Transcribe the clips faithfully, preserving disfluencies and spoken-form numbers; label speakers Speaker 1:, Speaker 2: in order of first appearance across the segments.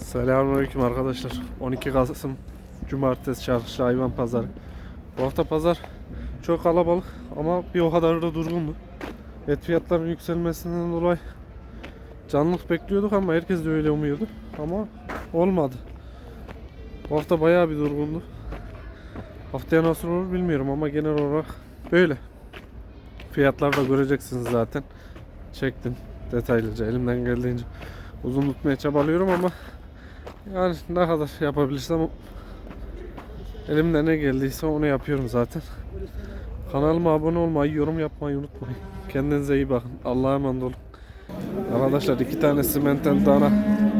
Speaker 1: Selamünaleyküm arkadaşlar. on iki Kasım Cumartesi Çarşı Hayvan Pazarı. Bu hafta pazar çok kalabalık ama bir o kadar da durgundu. Et fiyatlarının yükselmesinden dolayı canlılık bekliyorduk ama herkes de öyle umuyordu. Ama olmadı. Bu hafta bayağı bir durgundu. Haftaya nasıl olur bilmiyorum ama genel olarak böyle. Fiyatları da göreceksiniz zaten. Çektim detaylıca elimden geldiğince. Uzun tutmaya çabalıyorum ama yani ne kadar yapabilirsem elimden ne geldiyse onu yapıyorum zaten. Kanalıma abone olmayı, yorum yapmayı unutmayın. Kendinize iyi bakın. Allah'a emanet olun. Arkadaşlar iki tane simenten dana.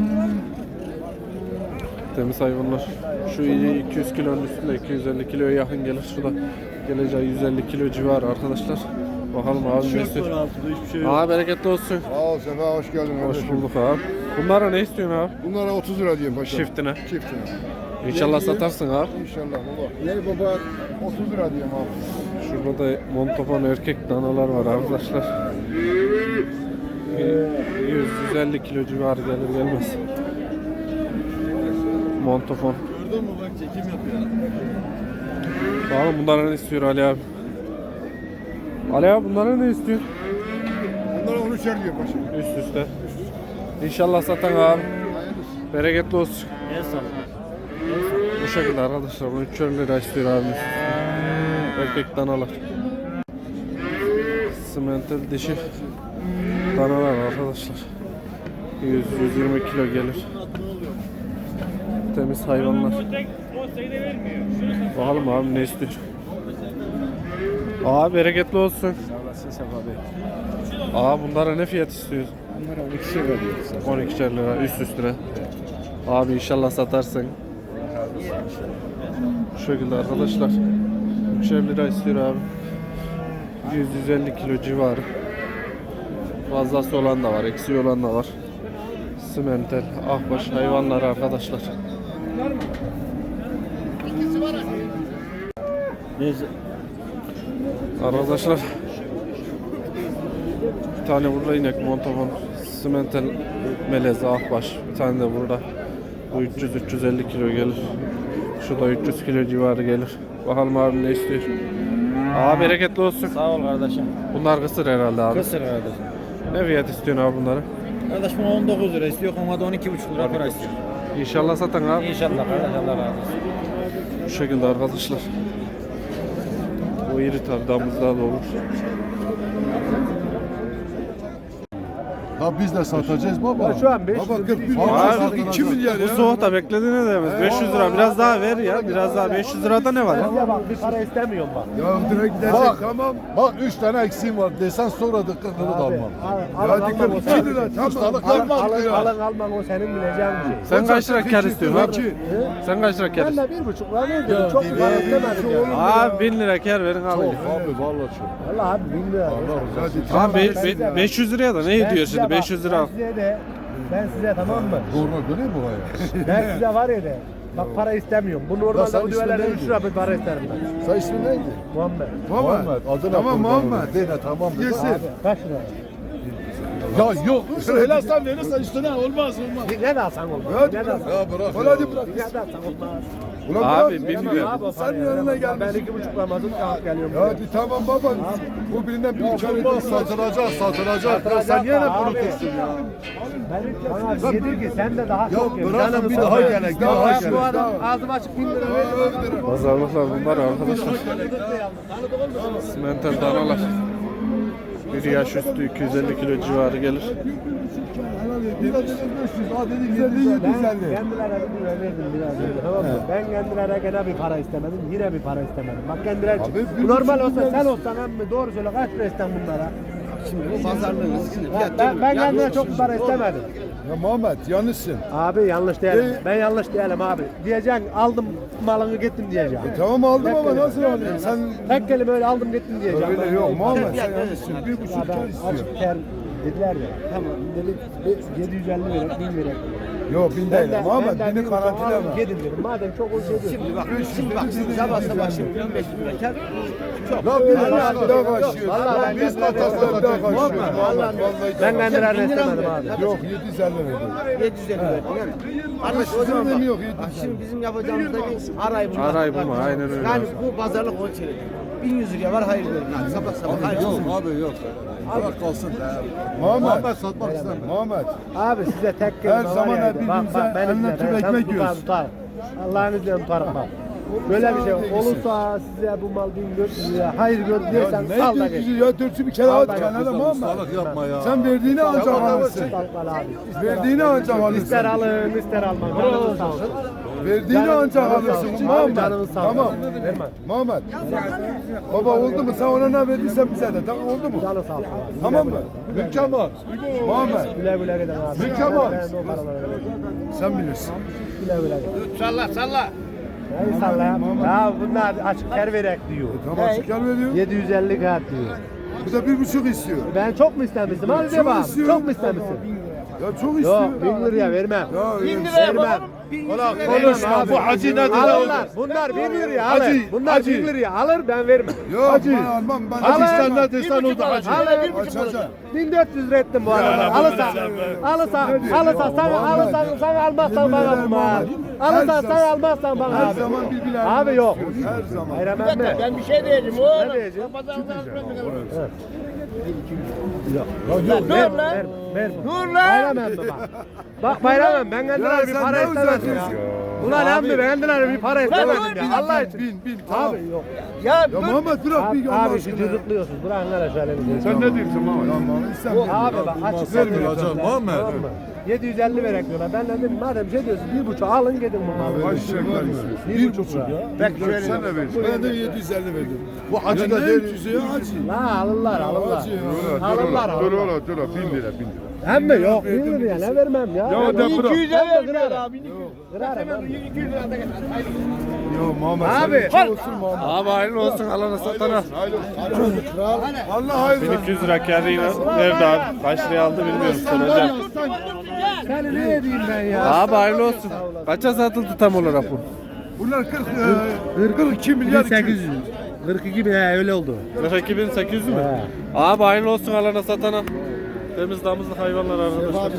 Speaker 1: Temiz hayvanlar. Şu iyi iki yüz kilonun üstünde, iki yüz elli kiloya yakın gelir. Şu da geleceği yüz elli kilo civarı arkadaşlar. Bakalım abi ne istiyor? Şey Aa bereketli olsun.
Speaker 2: Sağ ol Sefa, hoş geldin.
Speaker 1: Hoş kardeşim. Bulduk abi. Bunlara ne istiyorsun abi?
Speaker 2: Bunlara otuz lira diyeyim paşa.
Speaker 1: Çiftine.
Speaker 2: Çiftine.
Speaker 1: İnşallah satarsın abi.
Speaker 2: İnşallah baba. Yeni baba otuz lira diyeyim abi.
Speaker 1: Şurada da montofon erkek danalar var arkadaşlar. yüz yüz elli kilo civarı gelir gelmez. Montofon.
Speaker 3: Gördün mü bak çekim yapıyor.
Speaker 1: Bakalım bunlara ne istiyor Ali abi? Ali abi bunlara ne istiyor?
Speaker 2: Bunlara on üçer diyeyim paşa.
Speaker 1: Üst üste. İnşallah satan abi. Bereketli olsun.
Speaker 3: El salla.
Speaker 1: Bu şekilde arkadaşlar. on üçer lira istiyor abi. Erkek danalar. Simental dişi danalar arkadaşlar. yüz yüz yirmi kilo gelir. Temiz hayvanlar. Bakalım abi ne istiyor? Abi bereketli olsun. Aa bunlara ne fiyat istiyorsun?
Speaker 2: Bunlara on ikişer lira diyoruz.
Speaker 1: on ikişer lira üst üstüne. Abi inşallah satarsın. Bu şekilde arkadaşlar. ikişer lira istiyor abi. yüz yüz elli kilo civarı. Fazlası olan da var, eksiği olan da var. Simental, ahbaş hayvanlar arkadaşlar.
Speaker 3: Neyse.
Speaker 1: Arkadaşlar bir tane burada inek montofon simental melez ahbaş, bir tane de burada. Bu üç yüz üç yüz elli kilo gelir. Şu da üç yüz kilo civarı gelir. Bakalım abi ne istiyor? Abi bereketli olsun.
Speaker 3: Sağ ol kardeşim.
Speaker 1: Bunlar kısır herhalde abi.
Speaker 3: Kısır kardeşim.
Speaker 1: Ne fiyat istiyorsun abi bunları?
Speaker 3: Kardeş buna on dokuz lira istiyor, ona da on iki buçuk lira para istiyor.
Speaker 1: İnşallah satan abi.
Speaker 3: İnşallah kardeş, Allah razı olsun.
Speaker 1: Bu şekilde arkadaşlar. O iri tabi damızlığa da olur.
Speaker 2: Ha biz de satacağız baba.
Speaker 4: Şu an beş yüz
Speaker 2: Baba kırk bin
Speaker 1: Abi,
Speaker 2: lira. iki milyar
Speaker 1: Bu
Speaker 2: ya.
Speaker 1: soğukta beklediğine değmez. beş yüz lira biraz daha ver ya. Biraz daha beş yüz lirada ne var ya?
Speaker 4: Ya bak bir para istemiyorum bak.
Speaker 2: Ya direkt gidersek tamam. Bak üç tane eksiğim var desen sonra da kırkını da almam.
Speaker 4: Al,
Speaker 2: Ya
Speaker 4: al,
Speaker 2: dikkat
Speaker 4: al,
Speaker 2: iki
Speaker 4: al.
Speaker 2: lira tamam.
Speaker 4: Alın
Speaker 2: Yapma
Speaker 4: alın
Speaker 2: ya.
Speaker 4: alın alman o senin bileceğin bir şey.
Speaker 1: Sen kaç lira kar
Speaker 2: iki,
Speaker 1: istiyorsun abi?
Speaker 2: iki.
Speaker 1: Sen kaç lira kar
Speaker 4: Ben
Speaker 1: istiyorsun?
Speaker 4: de bir buçuk lira ne diyorum? Çok bir para istemedim ya.
Speaker 1: Abi bin lira kar verin alın.
Speaker 2: Abi vallahi çok.
Speaker 4: Valla abi bin lira.
Speaker 2: Hadi
Speaker 1: Abi be- be- beş yüz liraya da ne ediyor şimdi beş yüz lira?
Speaker 4: Ben size de ben size tamam mı?
Speaker 2: Doğru döneyim buraya.
Speaker 4: Ben size var ya de. Bak para istemiyorum. Bu
Speaker 2: Ya
Speaker 4: normalde
Speaker 2: sen
Speaker 4: bu
Speaker 2: ismin
Speaker 4: düvelerden
Speaker 2: neydi?
Speaker 4: üç lira bir para isterim ben.
Speaker 2: Sen ismin neydi?
Speaker 4: Muhammed.
Speaker 2: Muhammed. Adına
Speaker 5: Tamam,
Speaker 2: kurban
Speaker 5: Muhammed.
Speaker 2: olayım. Dene tamam. dedi.
Speaker 5: Yesin.
Speaker 4: Abi kaç lira?
Speaker 2: Ya yok.
Speaker 5: Helastan verirsen üstüne olmaz olmaz.
Speaker 4: Bir ne de alsan olmaz.
Speaker 2: Hadi
Speaker 4: Ne de
Speaker 2: bırak.
Speaker 4: alsan.
Speaker 2: Ya bırak.
Speaker 5: Ulan hadi bırak.
Speaker 4: Bir ne de alsan olmaz.
Speaker 2: Ulan
Speaker 1: Abi
Speaker 2: bırak.
Speaker 1: bin lira.
Speaker 4: Abi o
Speaker 5: Sen
Speaker 4: parayı
Speaker 5: yanına
Speaker 4: veremem.
Speaker 5: gelmişsin.
Speaker 4: Ben iki buçuk Ramazan kağıt geliyorum.
Speaker 2: Ya hadi tamam baba. Bu birinden bir kar edin satılacak satılacak. Sen yine kurutursun ya.
Speaker 4: Bana yedir ki sen de daha çok ye.
Speaker 2: bırakın
Speaker 4: Canını
Speaker 2: bir
Speaker 4: sıkma.
Speaker 2: daha gelek, daha
Speaker 4: Ya
Speaker 2: gelek,
Speaker 4: bu adam
Speaker 2: daha.
Speaker 4: ağzım açık bin lira veriyor.
Speaker 1: Pazarlıklar bunlar arkadaşlar. Simental danalar. Bir yaş üstü iki yüz elli kilo civarı gelir.
Speaker 2: Bir de beş yüz. Ha dedi güzel değil
Speaker 4: Ben
Speaker 2: güzel
Speaker 4: kendilerine bir lira verdim biraz önce tamam mı? Ben kendilerine gene bir para istemedim, yine bir para istemedim. Bak kendileri
Speaker 2: Abi,
Speaker 4: bu
Speaker 2: bir
Speaker 4: normal
Speaker 2: buçuk
Speaker 4: olsa
Speaker 2: lira
Speaker 4: sen olsan emmi doğru söyle kaç lira isten bunlara?
Speaker 5: Şimdi bu pazarlığın riskini
Speaker 4: Ben, ben, ben kendime çok para istemedim.
Speaker 2: Ya Muhammed yanlışsın.
Speaker 4: Abi yanlış değilim.
Speaker 2: Ee?
Speaker 4: Ben yanlış değilim abi. Diyeceksin aldım malını gittim diyeceğim.
Speaker 2: Tamam aldım
Speaker 4: Tek
Speaker 2: ama
Speaker 4: kelime.
Speaker 2: nasıl alıyorsun? Sen
Speaker 4: Tek kelime öyle aldım gittim diyeceğim.
Speaker 2: öyle yok Muhammed sen yanlışsın. Bir
Speaker 4: Ya
Speaker 2: buçuk
Speaker 4: ben
Speaker 2: kar istiyor.
Speaker 4: açık ter Dediler ya. Tamam dedik yedi yüz elli verek, bin verek.
Speaker 2: Yok bin
Speaker 4: Ben
Speaker 2: değil.
Speaker 4: de,
Speaker 2: Muhammed
Speaker 4: ben de
Speaker 2: bini
Speaker 4: bir
Speaker 2: karantina
Speaker 4: alın,
Speaker 2: var.
Speaker 4: Gidin dedim. Madem çok o şey diyor.
Speaker 5: Şimdi bak, şimdi bak, şimdi sabah sabah şimdi bin beş bin lira kar. Çok.
Speaker 2: Lan biz
Speaker 4: Vallahi
Speaker 2: bir daha kaçıyoruz.
Speaker 4: Vallahi ben
Speaker 2: Biz
Speaker 4: kendilerine
Speaker 2: katasla bir daha
Speaker 4: istemedim.
Speaker 2: kaçıyoruz. Muhammed
Speaker 4: Ben
Speaker 2: vallahi.
Speaker 4: kendilerine
Speaker 5: Bin lira mı
Speaker 4: istemedim
Speaker 5: verdin?
Speaker 4: abi.
Speaker 2: Yok yedi yüz elli verdim.
Speaker 5: yedi yüz elli verdin değil mi? Arkadaş o zaman bak.
Speaker 2: Yok yedi
Speaker 5: Bak
Speaker 2: yüz elli.
Speaker 5: şimdi bizim yapacağımız da bir aray bulma.
Speaker 1: Aray bulma, aynen öyle.
Speaker 5: Yani bu pazarlık on çeyrek. bin yüz liraya var hayır verin hadi sabah sabah hayır.
Speaker 2: Yok abi yok. Bırak kalsın. Muhammed satmak istemiyor. Muhammed.
Speaker 4: Abi size tek
Speaker 2: Her
Speaker 4: kelime var
Speaker 2: zaman
Speaker 4: ya.
Speaker 2: hep
Speaker 4: Bak
Speaker 2: birbirimize
Speaker 4: bak ben
Speaker 2: eline
Speaker 4: izle.
Speaker 2: tüm
Speaker 4: Ben
Speaker 2: ekmek
Speaker 4: tutar
Speaker 2: yiyoruz.
Speaker 4: tutar. Allah'ın izniyle tutarım bak. Böyle bir şey
Speaker 2: Sen de
Speaker 4: olursa size bu mal bin dört yüz liraya hayır gör diyorsan
Speaker 2: Ya
Speaker 4: sal da
Speaker 2: ne
Speaker 4: geç.
Speaker 2: diyorsun ya dörtsü bir kere
Speaker 4: Al
Speaker 2: at
Speaker 4: da
Speaker 2: kenara
Speaker 4: gel.
Speaker 2: Muhammed. Yapma ya. Sen verdiğini ancak alırsın.
Speaker 4: Al abi.
Speaker 2: Verdiğini ancak
Speaker 4: İster
Speaker 2: alırsın.
Speaker 4: alın ister almayın. Canınız sağ olsun.
Speaker 2: Verdiğini
Speaker 4: Canınız
Speaker 2: ancak
Speaker 4: sağ olsun.
Speaker 2: alırsın
Speaker 4: Abi
Speaker 2: Muhammed.
Speaker 4: canınız sağ olsun.
Speaker 2: Tamam.
Speaker 4: Verme.
Speaker 2: Muhammed. Baba oldu mu? Sen ona ne verdiysen bize de. Tamam oldu mu?
Speaker 4: Canı sağ olsun.
Speaker 2: Tamam mı? Mükemmel. Muhammed.
Speaker 4: Güle güle gidin abi.
Speaker 2: Mükemmel.
Speaker 4: Ben de o paraları vereceğim.
Speaker 2: Sen bilirsin.
Speaker 4: Güle güle gidin.
Speaker 5: Salla salla.
Speaker 4: Neyi salla ya? Ya bunlar açık ker verek diyor.
Speaker 2: Tamam çıkar veriyor.
Speaker 4: yedi yüz elli kağıt diyor.
Speaker 2: Bu da bir buçuk istiyor.
Speaker 4: Ben çok mu istemiştim? Hadi de bak.
Speaker 2: istiyorum.
Speaker 4: Çok mu istemişsin?
Speaker 2: Ya çok istiyor.
Speaker 4: Yok bin liraya vermem.
Speaker 2: Ya
Speaker 5: bin
Speaker 2: öyle-
Speaker 5: lira yapalım.
Speaker 4: Vermem.
Speaker 5: bin yüz
Speaker 4: Ulan
Speaker 5: lira
Speaker 4: konuşma
Speaker 5: verin.
Speaker 4: bu hacı nedir? Alırlar. Bunlar bin liraya alır.
Speaker 2: Hacı,
Speaker 4: Bunlar
Speaker 2: hacı.
Speaker 4: bin liraya alır ben vermem.
Speaker 2: Yok ben almam. Ben
Speaker 4: Hacı
Speaker 2: sen
Speaker 4: sen
Speaker 2: ne desen o da hacı.
Speaker 4: Alır.
Speaker 2: Açacağım.
Speaker 4: bin dört yüz lira ettim bu arada. Alırsan, alırsan, alırsan sen alırsan sen almazsan bana bu mal. Alırsan sen almazsan bana
Speaker 2: Her
Speaker 4: abi.
Speaker 2: zaman birbirine
Speaker 4: Abi yok.
Speaker 2: Her zaman.
Speaker 4: Bayram emmi.
Speaker 5: Ben bir şey diyeceğim oğlum.
Speaker 4: Ne diyeceğim?
Speaker 2: Yok.
Speaker 4: Ver,
Speaker 5: Dur lan.
Speaker 4: ver, ver.
Speaker 5: Dur lan.
Speaker 4: Bayram emmi bak. Bak bayram emmi ben kendilerine bir
Speaker 2: sen
Speaker 4: para
Speaker 2: ne
Speaker 4: istemedim ya.
Speaker 2: uzatıyorsun?
Speaker 4: Ulan emmi ben kendilerine bir para istemedim
Speaker 5: dur,
Speaker 4: ya. Allah için.
Speaker 2: Bin bin tamam.
Speaker 4: Abi yok.
Speaker 5: Ya
Speaker 2: Ya
Speaker 5: dur.
Speaker 2: Muhammed bırak
Speaker 4: Abi,
Speaker 2: bir Allah
Speaker 4: abi şu
Speaker 2: aşkına.
Speaker 4: cızıklıyorsunuz. Bırakın hele şöyle bir şey.
Speaker 2: Sen ne diyorsun Muhammed? Ya Muhammed sen
Speaker 4: Abi bak açık
Speaker 2: vermiyor
Speaker 4: söylüyorum.
Speaker 2: hocam, Muhammed.
Speaker 4: Tamam mı? yedi yüz elli verek diyorlar. Ben de dedim madem bir şey diyorsun bir buçuk alın gidin bu malı.
Speaker 2: Kaç şeker istiyorsun?
Speaker 4: Bir buçuk ya.
Speaker 2: Belki şöyle. Sen de ver. Ben de yedi yüz elli verdim. Bu hacı da değil. Ya hacı.
Speaker 4: La alırlar alırlar.
Speaker 2: Hacı ya.
Speaker 4: Alırlar
Speaker 6: Dur
Speaker 4: alırlar.
Speaker 6: ola dur ola bin lira bin lira.
Speaker 4: Hem mi yok bin liraya ne vermem ya.
Speaker 6: Ya de bırak.
Speaker 5: iki yüze vermiyor abi.
Speaker 4: Kırarım abi.
Speaker 5: iki yüz lira da getir.
Speaker 2: Yo Muhammed.
Speaker 4: Abi.
Speaker 2: sen olsun Muhammed.
Speaker 1: Abi hayırlı olsun alana satana.
Speaker 2: Allah hayırlı.
Speaker 1: bin iki yüz lira kârıyla nerede abi? Kaç liraya aldı bilmiyorum soracağım.
Speaker 4: Seni ne edeyim ben ya.
Speaker 1: Abi hayırlı olsun. Kaça satıldı tam olarak bu?
Speaker 2: Bunlar kırk, e, kırk iki milyar iki yüz.
Speaker 4: kırk iki bin he, öyle oldu.
Speaker 1: kırk iki bin sekiz yüz mü? Abi hayırlı olsun alana satana. Temiz damızlı hayvanlar arkadaşlar.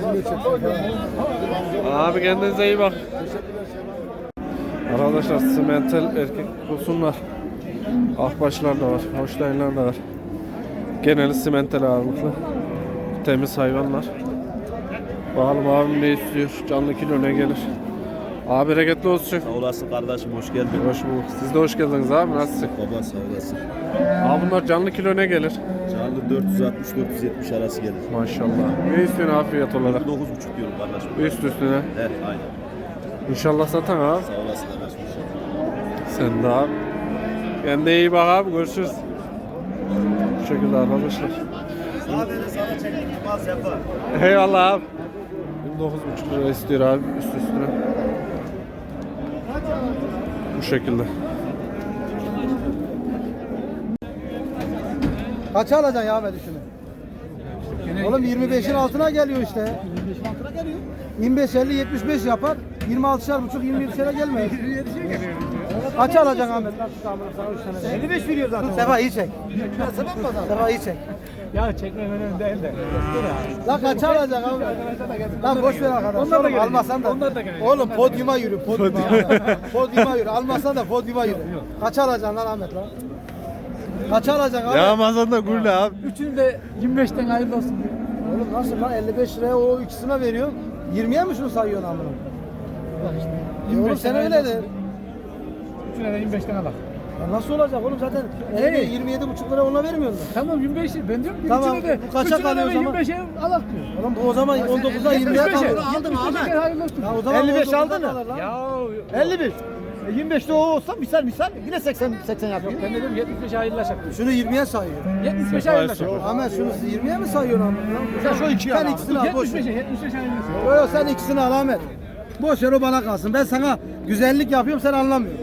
Speaker 1: Abi kendinize iyi bak. Arkadaşlar simental erkek kusunlar. Akbaşlar da var. Hoşlayınlar da var. Geneli simental ağırlıklı. Temiz hayvanlar. Bakalım abim ne istiyor? Canlı kilo ne gelir? Abi bereketli olsun.
Speaker 7: Sağ olasın kardeşim, hoş geldin.
Speaker 1: Hoş bulduk. Siz de hoş geldiniz abi. Nasılsın?
Speaker 7: Baba sağ olasın.
Speaker 1: Abi bunlar canlı kilo ne gelir?
Speaker 7: Canlı dört yüz altmış dört yüz yetmiş arası gelir.
Speaker 1: Maşallah. Ne istiyorsun abi fiyat olarak?
Speaker 7: dokuz buçuk diyorum kardeşim.
Speaker 1: Üst üstüne.
Speaker 7: Evet aynen.
Speaker 1: İnşallah satan abi.
Speaker 7: Sağ olasın kardeşim.
Speaker 1: Sen de abi. Kendine iyi bak abi. Görüşürüz. Bu şekilde arkadaşlar.
Speaker 7: Sadece sana çektim, az yapar.
Speaker 1: Eyvallah abi. yirmi dokuz buçuk lira istiyor abi üst üstüne. Bu şekilde.
Speaker 8: Kaça alacaksın ya Ahmet şunu? Oğlum yirmi beşin altına geliyor işte. yirmi beşin altına geliyor. yirmi beş elli yetmiş beş yapar. yirmi altışar buçuk yirmi yedişere gelmez. Kaça alacaksın Ahmet? elli beş veriyor zaten. Sefa iyi çek. Sefa iyi çek.
Speaker 4: Ya çekmem önemli değil de.
Speaker 8: Lan kaça alacaksın abi? Lan boş ver arkadaş. Onlar da almasan da. Oğlum podyuma yürü. Podyuma. Podyuma yürü. Almasan da podyuma yürü. Kaça alacaksın lan Ahmet lan? Kaça alacaksın abi?
Speaker 1: Ya Ramazan'da gurle abi.
Speaker 8: Üçünü de yirmi beşten hayırlı olsun diyor. Oğlum nasıl lan elli beş liraya o ikisine veriyor. yirmiye mi şunu sayıyorsun amına? Bak işte. E oğlum sen öyle de.
Speaker 4: Üçüne de yirmi beşten alak.
Speaker 8: Ya nasıl olacak oğlum zaten yirmi yedi buçuk lira ona vermiyorsun.
Speaker 4: Tamam yirmi beş ben diyorum ki
Speaker 8: Tamam,
Speaker 4: üçüne de,
Speaker 8: bu kaça
Speaker 4: üçüne de
Speaker 8: kalıyor o zaman?
Speaker 4: yirmi beşe alak diyor.
Speaker 8: Oğlum bu o zaman on dokuza yirmiye kalıyor.
Speaker 4: Aldın Ahmet. Hayırlı olsun.
Speaker 8: Ya o zaman
Speaker 5: elli beş
Speaker 8: on dokuza
Speaker 5: aldın mı?
Speaker 8: kalır lan.
Speaker 4: Ya
Speaker 5: elli bir. E, yirmi beşte o olsa misal misal yine seksen seksen yapıyor.
Speaker 4: ben dedim yetmiş beşe hayırlaşak.
Speaker 8: Şunu yirmiye sayıyor.
Speaker 4: yetmiş beşe hayırlaşak.
Speaker 8: Ahmet şunu yirmiye mi sayıyorsun amına?
Speaker 5: Sen şu ikiyi
Speaker 8: Sen
Speaker 5: al.
Speaker 8: ikisini al boş
Speaker 4: yetmiş
Speaker 8: ver.
Speaker 4: beşe yetmiş beşe hayırlaşak.
Speaker 8: Yo yo sen ikisini al Ahmet. Boş ver o bana kalsın. Ben sana güzellik yapıyorum sen anlamıyorsun.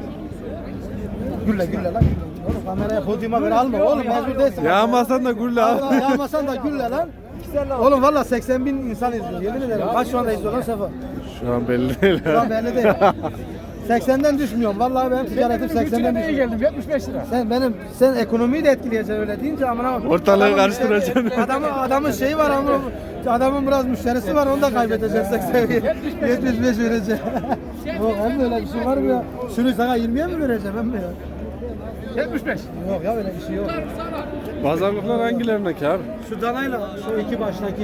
Speaker 8: Gülle gülle lan. Oğlum kameraya podyuma ver alma oğlum mecbur değilsin.
Speaker 1: Ya Ramazan'da gurle abi.
Speaker 8: Allah yağmasan da gülle lan. Oğlum valla seksen bin insan izliyor. Yemin ederim. Kaç şu anda izliyor lan Sefa?
Speaker 1: Şu an belli değil.
Speaker 8: Şu an belli değil. seksenden düşmüyorum. Vallahi benim ticaretim seksenden düşüyor.
Speaker 5: geldim yetmiş beş lira.
Speaker 8: Sen benim sen ekonomiyi de etkileyeceksin öyle deyince amına bak.
Speaker 1: Ortalığı
Speaker 8: Adamın
Speaker 1: karıştıracaksın.
Speaker 8: müşteri- Adamın adamın şeyi var ama adamın biraz müşterisi var onu da kaybedeceksin seksen yetmiş beş vereceğim. Yok hem de öyle bir şey var mı ya? Şunu sana yirmiye mi vereceğim hem mi ya?
Speaker 5: yetmiş beş.
Speaker 8: Yok ya öyle bir şey yok.
Speaker 1: Pazarlıklar hangilerindeki abi?
Speaker 8: Şu danayla şu iki baştaki.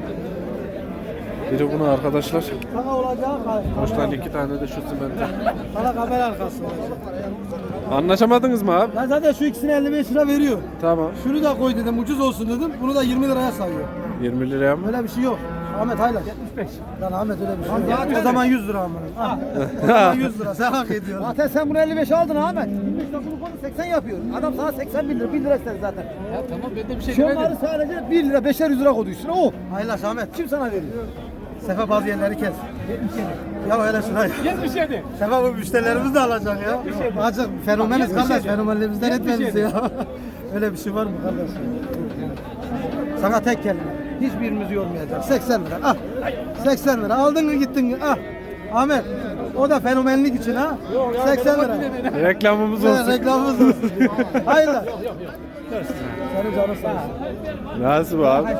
Speaker 1: Biri bunu arkadaşlar.
Speaker 8: Sana olacağı
Speaker 1: Boştan iki tane de şu simente.
Speaker 8: sana kamera arkası olacak.
Speaker 1: Anlaşamadınız mı abi?
Speaker 8: Ben zaten şu ikisini elli beş lira veriyor.
Speaker 1: Tamam.
Speaker 8: Şunu da koy dedim ucuz olsun dedim. Bunu da yirmi liraya sayıyor.
Speaker 1: yirmi liraya mı?
Speaker 8: Öyle bir şey yok. Ahmet hayla. yetmiş beş. Lan Ahmet öyle bir şey yok. O zaman yüz lira amına. Ah. O zaman yüz lira. Sen hak ediyorsun. Zaten sen bunu elli beşe aldın Ahmet. yirmi beş lira bunu seksen yapıyor. Adam sana seksen bin lira. bin lira istedi zaten.
Speaker 5: Ya tamam ben de bir şey
Speaker 8: Şu
Speaker 5: demedim.
Speaker 8: onları sadece bir lira beşer yüz lira koydu üstüne o. Hayla Ahmet. Kim sana veriyor? Sefa bazı yerleri kes. Ya öyle şuna ya.
Speaker 5: yetmiş yedi.
Speaker 8: Sefa bu müşterilerimiz de alacak ya. Acık fenomeniz kardeş. Fenomenlerimizden etmemiz ya. Öyle bir şey var mı kardeş? Sana tek kelime. Hiçbirimizi yormayacak. seksen lira. Ah. seksen lira. Aldın mı gittin mi? Ah. Ahmet. O da fenomenlik için ha. seksen lira.
Speaker 1: Reklamımız
Speaker 8: Evet,
Speaker 1: olsun.
Speaker 8: reklamımız olsun. Hayırlı. Senin canın sağ olsun.
Speaker 1: Nasıl bu abi?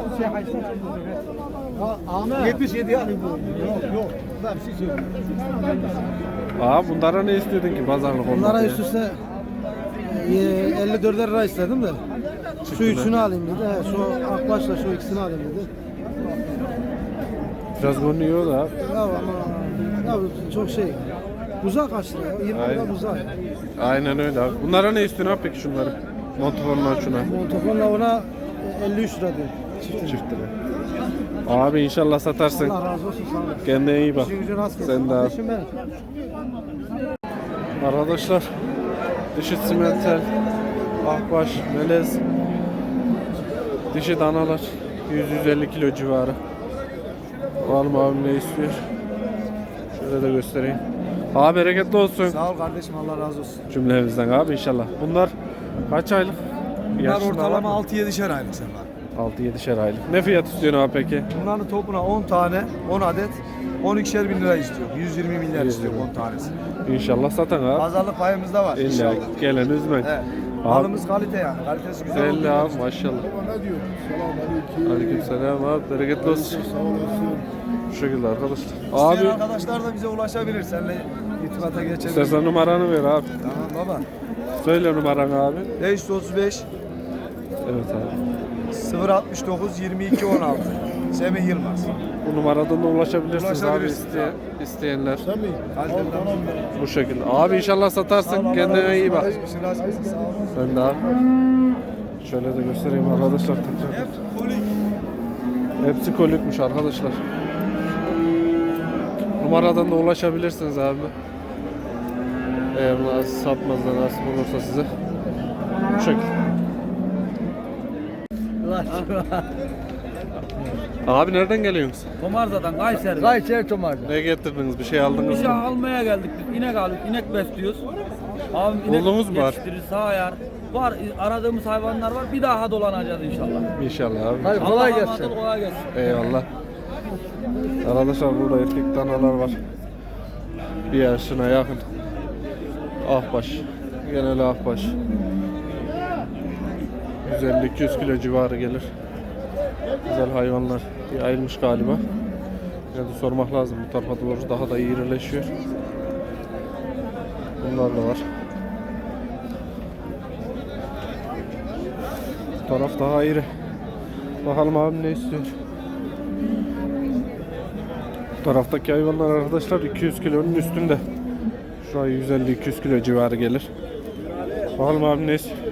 Speaker 8: yetmiş yedi alayım bu. Yok yok. Ben bir şey söyleyeyim.
Speaker 1: Aa bunlara ne istedin ki pazarlık olmak
Speaker 8: Bunlara
Speaker 1: ya?
Speaker 8: üst üste e, elli dörder lira istedim de. Şu üçünü alayım dedi. He, şu akbaşla şu ikisini alayım dedi.
Speaker 1: Biraz görünüyor da abi.
Speaker 8: Ya ama ya bu çok şey. Uzak açtı ya. yirmi lira
Speaker 1: Aynen.
Speaker 8: uzak.
Speaker 1: Aynen öyle abi. Bunlara ne istiyorsun abi peki şunları? Montofonlar şuna.
Speaker 8: Montofonla ona e, elli üç lira diyor. Çiftine.
Speaker 1: Çift lira. Abi inşallah satarsın.
Speaker 8: Allah razı olsun sağ olun.
Speaker 1: Kendine iyi bak.
Speaker 8: İşin gücün rast gelsin.
Speaker 1: Sen de abi.
Speaker 8: Kardeşim benim.
Speaker 1: Arkadaşlar dişi simentel, akbaş, melez, dişi danalar yüz yüz elli kilo civarı. Bakalım abim ne istiyor. Şöyle de göstereyim. Abi bereketli olsun
Speaker 2: Sağ ol kardeşim Allah razı olsun.
Speaker 1: cümlemizden abi inşallah. Bunlar kaç aylık?
Speaker 2: Bunlar ortalama altı yedişer aylık sen var.
Speaker 1: altı yedişer aylık. Ne fiyat istiyorsun abi peki?
Speaker 2: Bunların topuna on tane, on adet, on ikişer bin lira istiyor. yüz yirmi milyar istiyor on tanesi.
Speaker 1: İnşallah satan abi.
Speaker 2: Pazarlık payımız da var.
Speaker 1: İlla
Speaker 2: inşallah.
Speaker 1: gelen üzmek.
Speaker 2: Evet.
Speaker 1: Abi
Speaker 2: Malımız kalite yani. Kalitesi güzel
Speaker 1: belli
Speaker 2: olduğu
Speaker 1: abi
Speaker 2: için.
Speaker 1: maşallah.
Speaker 2: Ne diyor? Selamünaleyküm.
Speaker 1: Aleykümselam abi bereketli olsun.
Speaker 2: Sağ olasın.
Speaker 1: Bu şekilde arkadaşlar.
Speaker 2: İsteyen
Speaker 1: Abi
Speaker 2: arkadaşlar da bize ulaşabilir. Seninle irtibata geçebilir.
Speaker 1: istersen numaranı ver abi.
Speaker 2: Tamam baba.
Speaker 1: Söyle numaranı abi.
Speaker 2: beş yüz otuz beş
Speaker 1: Evet abi.
Speaker 2: sıfır altmış dokuz yirmi iki on altı. Semih Yılmaz.
Speaker 1: Bu numaradan da ulaşabilirsiniz abi
Speaker 2: Ulaşabilirsiniz
Speaker 1: iste, isteyenler.
Speaker 2: Kaliteden.
Speaker 1: Bu şekilde. Abi inşallah satarsın. Kendine iyi bak.
Speaker 2: İşin razı olsun. Sağ olun.
Speaker 1: Ben de abi. Şöyle de göstereyim arkadaşlar. tekrar. Hepsi kolikmiş arkadaşlar. Numaradan da ulaşabilirsiniz abi. Eğer nasip satmazdan nasip olursa size. Bu şekilde. Abi nereden geliyorsunuz?
Speaker 3: Tomarza'dan Kayseri.
Speaker 5: Kayseri Tomar'da.
Speaker 1: Ne getirdiniz? Bir şey aldınız
Speaker 3: Bir şey
Speaker 1: mı?
Speaker 3: almaya geldik biz. İnek aldık. İnek besliyoruz. Abim inek
Speaker 1: Buldunuz mu var?
Speaker 3: yetiştirir, sağ yar. Var aradığımız hayvanlar var. Bir daha dolanacağız inşallah.
Speaker 1: İnşallah abi.
Speaker 5: Hadi
Speaker 3: Allah
Speaker 5: kolay
Speaker 3: emanet
Speaker 5: gelsin.
Speaker 3: ol, kolay gelsin.
Speaker 1: Eyvallah. Arkadaşlar burada erkek danalar var. Bir yaşına yakın. Ahbaş. Genel ahbaş. yüz elli iki yüz kilo civarı gelir. Güzel hayvanlar. Bir ayrılmış galiba. Yani sormak lazım. Bu tarafa doğru daha da irileşiyor. Bunlar da var. Bu taraf daha iri. Bakalım abim ne istiyor. Bu taraftaki hayvanlar arkadaşlar iki yüz kilonun üstünde. Şu an yüz elli iki yüz kilo civarı gelir. Bakalım abim ne istiyor.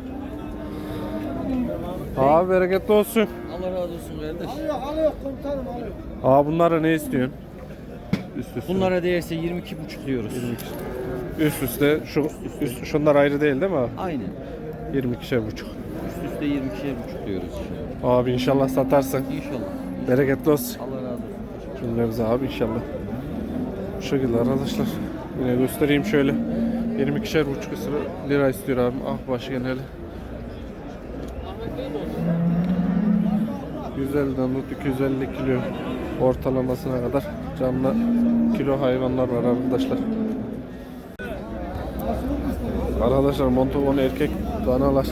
Speaker 1: Abi bereketli olsun.
Speaker 3: Allah razı olsun kardeş.
Speaker 8: Alıyor komutanım alıyor.
Speaker 1: Aa bunlara ne istiyorsun? Üst üste.
Speaker 3: Bunlara değerse yirmi iki buçuk diyoruz.
Speaker 1: Üst üste şu üst, şunlar ayrı değil değil mi abi?
Speaker 3: Aynen.
Speaker 1: yirmi ikişer buçuk.
Speaker 3: Üst üste yirmi ikişer buçuk diyoruz.
Speaker 1: Abi inşallah satarsın.
Speaker 3: İnşallah.
Speaker 1: Bereketli olsun.
Speaker 3: Allah razı olsun.
Speaker 1: Cümlemize abi inşallah. Bu şekilde arkadaşlar. Yine göstereyim şöyle. yirmi ikişer buçuk lira istiyor abim. Ah başı geneli. yüz elliden tut iki yüz elli kilo ortalamasına kadar canlı kilo hayvanlar var arkadaşlar. Arkadaşlar Montauban erkek danalar.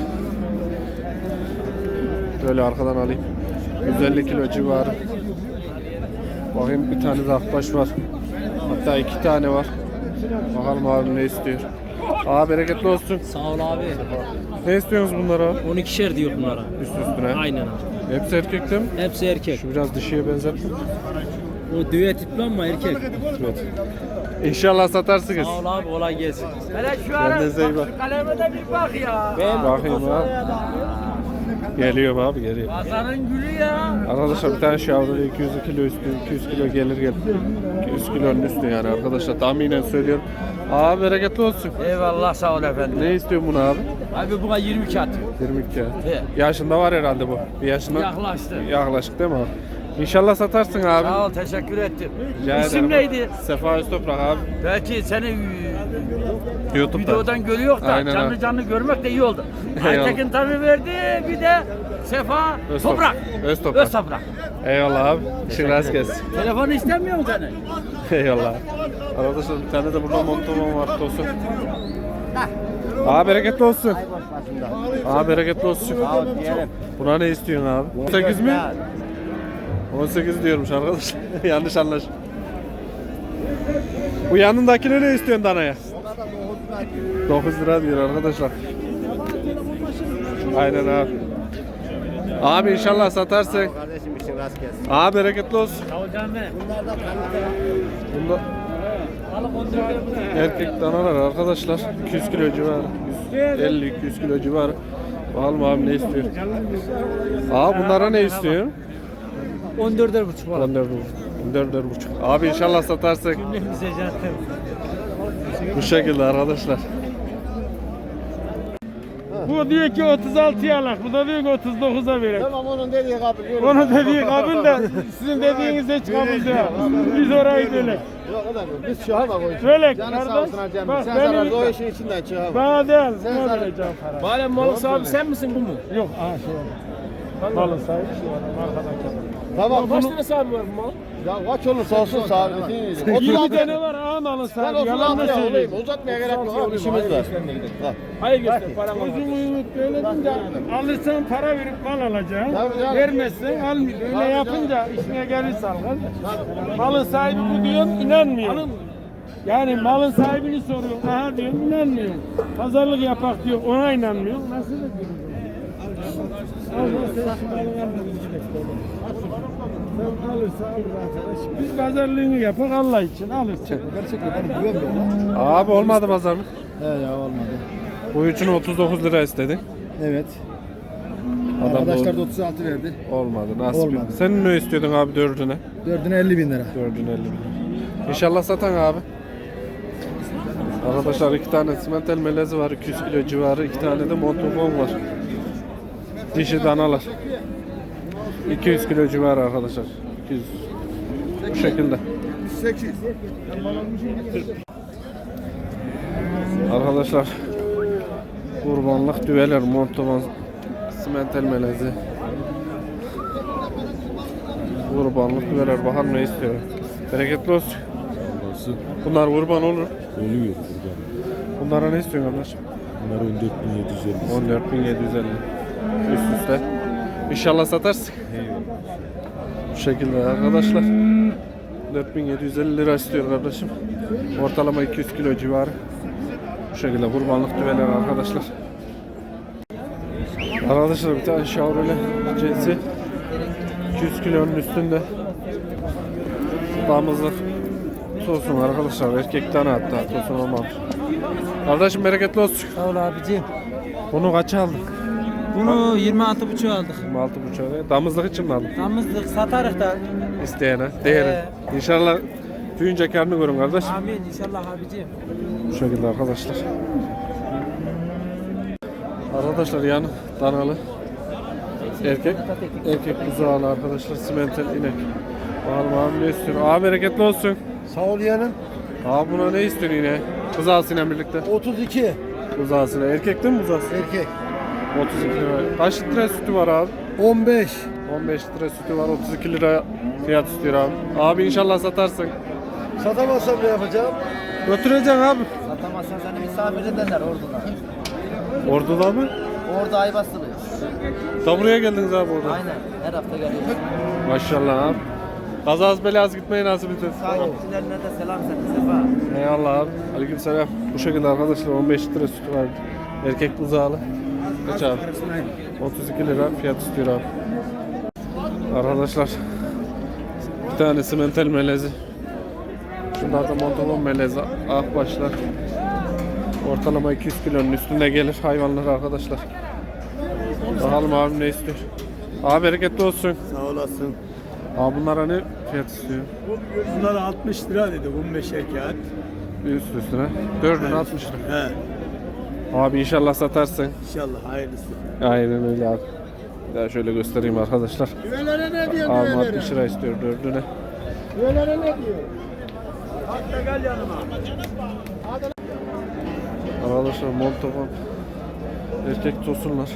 Speaker 1: Böyle arkadan alayım. yüz elli kilo civarı. Bakayım bir tane de akbaş var. Hatta iki tane var. Bakalım abi ne istiyor. Abi bereketli olsun.
Speaker 6: Sağ ol abi.
Speaker 1: Ne istiyorsunuz bunlara?
Speaker 6: on ikişer diyor bunlara.
Speaker 1: Üst üstüne.
Speaker 6: Aynen abi.
Speaker 1: Hepsi erkek değil mi?
Speaker 6: Hepsi erkek.
Speaker 1: Şu biraz dişiye benzettim.
Speaker 6: O düğe tipli ama erkek.
Speaker 1: Evet. İnşallah satarsınız.
Speaker 6: Sağ ol abi, kolay gelsin.
Speaker 3: Hele şu ara
Speaker 1: Kendinize iyi bak.
Speaker 3: şu kaleme de bir bak ya.
Speaker 1: Bakayım abi. Geliyor abi geliyor.
Speaker 3: Pazarın gülü ya.
Speaker 1: Arkadaşlar bir tane şavrulu iki yüz kilo üstü, iki yüz kilo gelir gelir. iki yüz kilonun üstü yani arkadaşlar tahminen söylüyorum. Abi bereketli olsun.
Speaker 3: Eyvallah sağ ol efendim.
Speaker 1: Ne istiyorsun bunu abi?
Speaker 3: Abi buna yirmi iki atıyor.
Speaker 1: yirmi iki.
Speaker 3: He.
Speaker 1: Yaşında var herhalde bu. Bir yaşında.
Speaker 3: Yaklaştı.
Speaker 1: Yaklaşık değil mi abi? İnşallah satarsın abi.
Speaker 3: Sağ ol teşekkür ettim.
Speaker 1: Rica
Speaker 3: İsim
Speaker 1: ederim.
Speaker 3: neydi?
Speaker 1: Sefa Öztoprak abi.
Speaker 3: Belki seni
Speaker 1: YouTube'da.
Speaker 3: videodan görüyor da
Speaker 1: Aynen
Speaker 3: canlı
Speaker 1: abi.
Speaker 3: canlı görmek de iyi oldu.
Speaker 1: Eyvallah.
Speaker 3: Aytekin tanrı verdi bir de Sefa
Speaker 1: Öz
Speaker 3: Toprak.
Speaker 1: Öz Toprak.
Speaker 3: Öz Toprak.
Speaker 1: Eyvallah abi. İşin rast gelsin.
Speaker 3: Telefonu istemiyor mu seni?
Speaker 1: Eyvallah. Arkadaşlar bir tane de burada Montauban var tosun. Abi bereketli olsun. Abi bereketli olsun. Buna ne istiyorsun abi? on sekiz mi? on sekiz diyormuş arkadaşlar. Yanlış anlaş. Bu yanındakine ne istiyorsun danaya? dokuz lira diyor arkadaşlar. Aynen abi. Abi inşallah satarsın.
Speaker 4: Kardeşim işin rast gelsin.
Speaker 1: Abi bereketli olsun. Bunda erkek danalar arkadaşlar iki yüz kilo civarı, yüz elli iki yüz kilo civarı. Bakalım abi ne istiyor? Abi bunlara ne istiyor?
Speaker 6: on dörder buçuk var.
Speaker 1: on dört on dört buçuk. Abi inşallah satarsın. Bu şekilde arkadaşlar.
Speaker 9: Bu diyor ki otuz altıya alak, bu da diyor ki otuz dokuza verek.
Speaker 4: Tamam onun dediği kabul.
Speaker 9: Onun dediği kabul de sizin dediğiniz hiç kabul değil. Biz orayı bölek.
Speaker 4: Yok o da yok. Biz çıkama koyuyoruz.
Speaker 9: Bölek
Speaker 4: Canı sağ
Speaker 9: kardeş.
Speaker 4: olsun hacım.
Speaker 9: Bak
Speaker 4: Sen zararlı o
Speaker 9: benim
Speaker 4: işin içinden çıkama.
Speaker 9: bana değil.
Speaker 4: Sen
Speaker 9: Ne
Speaker 4: zaten-
Speaker 9: vereceğim para?
Speaker 6: Bari Malık abi sen misin bu mu?
Speaker 9: Yok aha şey var. Malın sahibi şu adam arkadaki.
Speaker 4: Tamam
Speaker 6: Kaç
Speaker 4: bunu.
Speaker 6: tane sahibi var bu mal?
Speaker 4: Ya kaç olursa olsun sahibi.
Speaker 9: yirmi tane var aha malın
Speaker 4: Ben
Speaker 9: sahibi.
Speaker 4: otuz
Speaker 9: Yalan mı
Speaker 4: altıya
Speaker 9: söyleyeyim?
Speaker 4: olayım. Uzatmaya gerek yok abi işimiz var. Ha.
Speaker 6: Hayır göster param var.
Speaker 9: Uzun uyumut böyle deyince alırsan para verip mal alacaksın.
Speaker 4: Tabii canım.
Speaker 9: Vermezsen almıyor. Öyle yapınca işine gelirse al kardeş. Malın sahibi bu diyorsun inanmıyor. Yani malın sahibini soruyorsun. Aha diyorsun inanmıyor. Pazarlık yapak diyor ona inanmıyor. Nasıl da diyorsun? Sen alırsa alır arkadaş. Biz pazarlığını yapak Allah için alırsın.
Speaker 1: Abi olmadı pazarlık.
Speaker 5: He ya olmadı.
Speaker 1: Bu üçün otuz dokuz lira istedi.
Speaker 5: Evet.
Speaker 1: Adam
Speaker 5: Arkadaşlar
Speaker 1: da
Speaker 5: da otuz altı verdi.
Speaker 1: olmadı. Nasıl?
Speaker 5: Olmadı.
Speaker 1: Sen ne istiyordun abi dördüne?
Speaker 5: Dördüne elli bin lira.
Speaker 1: Dördüne elli bin. İnşallah satan abi. Arkadaşlar iki tane simentel melezi var iki yüz kilo civarı. iki tane de Montauban var. Dişi danalar. iki yüz kilo civarı arkadaşlar. iki yüz. Bu şekilde.
Speaker 2: sekiz.
Speaker 1: Arkadaşlar kurbanlık düveler Montauban simentel melezi. Kurbanlık düveler bakalım ne istiyor. Bereketli olsun. Bunlar kurban olur.
Speaker 2: Oluyor.
Speaker 1: Bunlara ne istiyorsun kardeşim?
Speaker 2: Bunlar on dört bin yedi yüz elli.
Speaker 1: on dört bin yedi yüz elli. Üst üste. İnşallah satarsın. Bu şekilde arkadaşlar. dört bin yedi yüz elli lira istiyor kardeşim. Ortalama iki yüz kilo civarı. Bu şekilde kurbanlık düveler arkadaşlar. Arkadaşlar bir tane şavrole cinsi iki yüz kilonun üstünde. Damızlık tosun arkadaşlar. Erkek tane hatta tosun olmamış. Kardeşim bereketli olsun.
Speaker 6: Sağ ol abicim.
Speaker 1: Bunu kaça aldın?
Speaker 6: Bunu yirmi altı buçuk aldık.
Speaker 1: yirmi altı buçuğa. Damızlık için mi aldın?
Speaker 6: Damızlık satarız da.
Speaker 1: İsteyene, değeri.
Speaker 6: Ee.
Speaker 1: İnşallah büyüyünce karnını görün kardeş.
Speaker 6: Amin inşallah abicim.
Speaker 1: Bu şekilde arkadaşlar. Arkadaşlar yani danalı. Erkek. Erkek buzağlı arkadaşlar. Simentel inek. Bakalım abi ne istiyor? Abi bereketli olsun.
Speaker 5: Sağ ol yeğenim.
Speaker 1: Abi buna ne istiyorsun yine? Buzağısıyla birlikte.
Speaker 5: otuz iki.
Speaker 1: Buzağısıyla. Erkek değil mi buzağısı?
Speaker 5: Erkek.
Speaker 1: otuz iki lira. Kaç litre sütü var abi?
Speaker 5: on beş.
Speaker 1: on beş litre sütü var, otuz iki lira fiyat istiyor abi. Abi inşallah satarsın.
Speaker 4: Satamazsam ne yapacağım?
Speaker 1: Götüreceksin abi.
Speaker 4: Satamazsan seni misafir ederler orduda.
Speaker 1: Ordu'da mı?
Speaker 4: Orada ay basılıyor.
Speaker 1: Da buraya geldiniz abi orada.
Speaker 4: Aynen. Her hafta geliyoruz.
Speaker 1: Maşallah abi. Kazaz belaz gitmeyi nasip etsin.
Speaker 4: Takipçilerine de selam sen Sefa.
Speaker 1: Eyvallah abi. Aleykümselam. Bu şekilde arkadaşlar on beş litre sütü var. Erkek buzağlı. Kaç abi? otuz iki lira fiyat istiyor abi. Arkadaşlar bir tane simentel melezi. Şunlar da montolon melezi. Akbaşlar. Ortalama iki yüz kilonun üstünde gelir hayvanlar arkadaşlar. Bakalım abim ne istiyor. Abi bereketli olsun.
Speaker 7: Sağ olasın.
Speaker 1: Abi bunlara ne fiyat istiyor?
Speaker 2: Bunlar altmış lira dedi on beş kağıt.
Speaker 1: Bir üst üstüne. Dördüne altmış lira.
Speaker 2: He.
Speaker 1: Abi inşallah satarsın.
Speaker 2: İnşallah hayırlısı.
Speaker 1: Aynen öyle abi. Bir daha şöyle göstereyim arkadaşlar.
Speaker 2: Düvelere ne diyor
Speaker 1: Abi
Speaker 2: düvelere?
Speaker 1: altmış lira istiyor dördüne.
Speaker 2: Düvelere ne diyor? Hatta gel yanıma.
Speaker 1: Arkadaşlar montofon erkek tosunlar.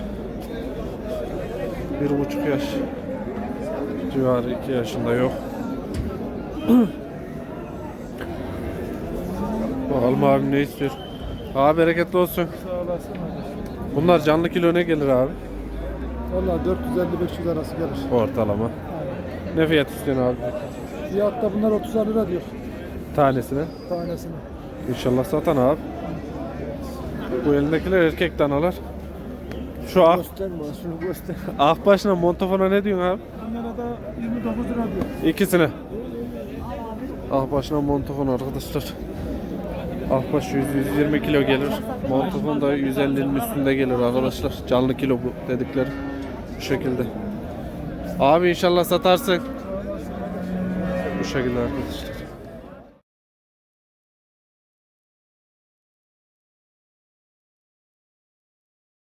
Speaker 1: Bir buçuk yaş civarı, iki yaşında yok. Bakalım abim ne istiyor. Abi bereketli olsun.
Speaker 8: Sağ olasın.
Speaker 1: Bunlar canlı kilo ne gelir abi?
Speaker 8: Valla dört yüz elli beş yüz arası gelir.
Speaker 1: Ortalama. Ne fiyat istiyorsun abi?
Speaker 8: Fiyatta bunlar otuz lira diyor
Speaker 1: Tanesine.
Speaker 8: tanesine.
Speaker 1: İnşallah satan abi. Bu elindekiler erkek danalar. Şu ak,
Speaker 8: Gösterme şunu göster.
Speaker 1: akbaşla montofona ne diyorsun abi?
Speaker 8: Bunlara da yirmi dokuz lira diyor.
Speaker 1: İkisine. Akbaşla montofon arkadaşlar. Akbaş yüz yüz yirmi kilo gelir. Montofon da yüz ellinin üstünde gelir arkadaşlar. Canlı kilo bu dedikleri. Bu şekilde. Abi inşallah satarsın. Bu şekilde arkadaşlar.